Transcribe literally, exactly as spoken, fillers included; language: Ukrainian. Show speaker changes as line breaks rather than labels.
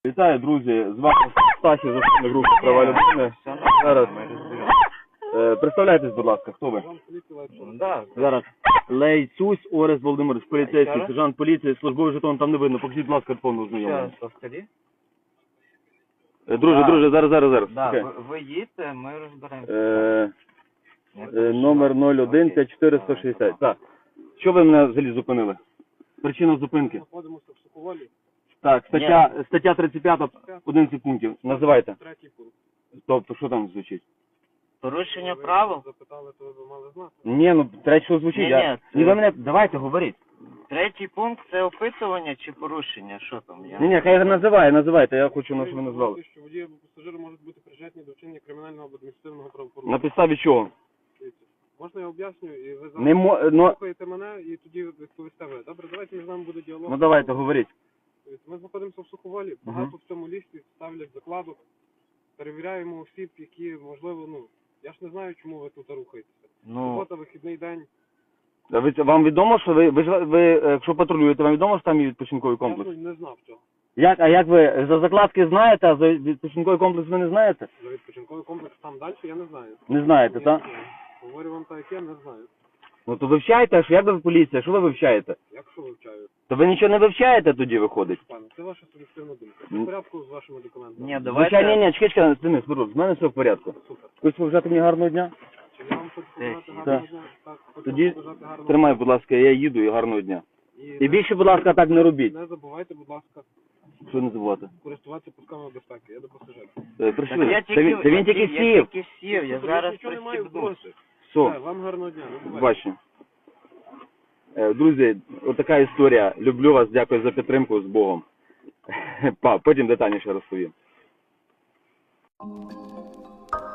Вітаю, друзі! З вами Стасі, заступник групи права людини. Зараз е, представляйтесь, будь ласка, хто ви?
Да.
Зараз Лейцюсь Орест Володимирович, поліцейський, сержант поліції, службовий жетон там не видно. Покажіть, будь ласка, повну знайомлення.
Сейчас повтори.
Е, Друже,
Да.
друже, зараз, зараз, зараз.
Да,
Окей.
ви, ви їдьте, ми розберемося.
Е, е, номер нуль один п'ять чотири сто шістдесят. Так. Що ви мене взагалі зупинили? Причина зупинки?
Знаходимося в Соколові.
Так, стаття, стаття тридцять п'ять, одинадцять пунктів. Називайте.
Третій пункт.
Тобто, що там звучить?
Порушення
Ви
правил?
запитали, то ви мали знати.
Ні, ну, третє, що звучить.
Ні,
Я...
ні, це-
Ні, ви мене, давайте, говоріть.
Третій пункт це опитування чи порушення? Що там? Я...
Ні, ні, хай називає, називайте, я хочу, на що ви назвали.
Говорите, що водії або пасажири можуть бути причетні до вчинення кримінального або адміністративного правопорушення.
На підставі чого?
Дивіться, можна я об'ясню, і ви
Не мо...
зараз
ну,
слухаєте мене, і тоді відповісте ви. Добре, давайте між нами буде діалог.
ну давайте, говоріть.
Дивіться, ми знаходимося в Суховолі, багато в цьому лісі ставлять закладок, перевіряємо осіб, які, можливо, ну, я ж не знаю, чому ви тут рухаєтеся.
Ну,
Субота, вихідний день.
А ви, вам відомо, що ви, ви, ж- ви, е, якщо патрулюєте, вам відомо, що там є відпочинковий
Я
комплекс?
ну, не знав цього.
Як, а як ви за закладки знаєте, а за відпочинковий комплекс ви не знаєте?
За відпочинковий комплекс там далі, я не знаю.
Не знаєте,
Я
так?
не знаю. Говорю вам так, як я не знаю.
Ну то вивчайте, а що, як ви поліція, що ви вивчаєте?
Як що вивчаю?
То ви нічого не вивчаєте тоді, виходить?
Пане, це ваша суб'єктивна думка. Все
Ну.
в порядку з вашими документами?
ні, давайте...
Звичайно, ні, ні, чекай, чекай, Денис, Мирон, з мене все в порядку.
Супер.
Хочеш побажати мені гарного дня?
Чи я вам хочу побажати
Так.
гарного дня? Так, хочу
Тоді
вам побажати гарного
Тримай, будь ласка, я їду і гарного дня.
дня.
І більше, будь ласка, так не робіть.
Не забувайте, будь ласка,
Що не забувати?
користуватися пусками безпеки. Я до пасажирів.
Е,
Так
Прийшли.
я
Це він, це він тільки
я
сів.
тільки сів, я
Супер,
зараз
нічого немає в
пристібну.
дорозі.
Все.
Все, вам гарного дня. Не бувайте.
Бачу. Е, Друзі, отака історія. Люблю вас, дякую за підтримку, з Богом. Па, потім детальніше розповім.